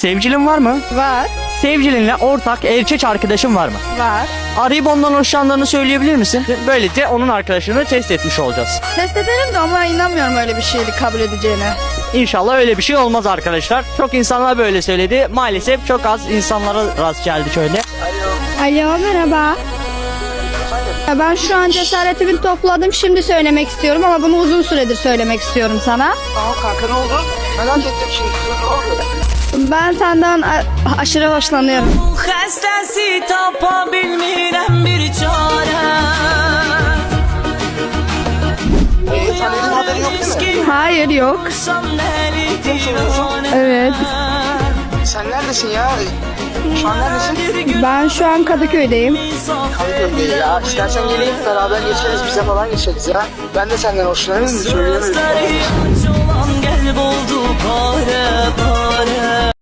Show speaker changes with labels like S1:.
S1: Sevgilin var mı?
S2: Var.
S1: Sevgilinle ortak erkek arkadaşın var mı?
S2: Var.
S1: Arayıp ondan hoşlandığını söyleyebilir misin? Böylece onun arkadaşını test etmiş olacağız.
S2: Test ederim de ama inanmıyorum öyle bir şeyi kabul edeceğine.
S1: İnşallah öyle bir şey olmaz arkadaşlar. Çok insanlar böyle söyledi. Maalesef çok az insanlara rast geldi şöyle.
S2: Alo, merhaba. Ben şu an cesaretimi topladım. Şimdi söylemek istiyorum ama bunu uzun süredir söylemek istiyorum sana.
S3: Tamam kanka, ne oldu? Merak ettim şimdi. Ne oldu?
S2: Ben senden aşırı hoşlanıyorum.
S4: Xəstəsi tapa bilmirəm bir çarə.
S3: Taner'in haberi yok değil mi?
S2: Hayır, yok. Evet.
S3: Sen neredesin ya? Şu an neredesin?
S2: Ben şu an Kadıköy'deyim.
S3: Kadıköy'de ya. İstersen geleyim beraber geçeriz, bize falan geçeriz ya. Ben de senden hoşlanırım, söyleyemedim.
S4: Gözləri aç olan qəlb oldu parə parə.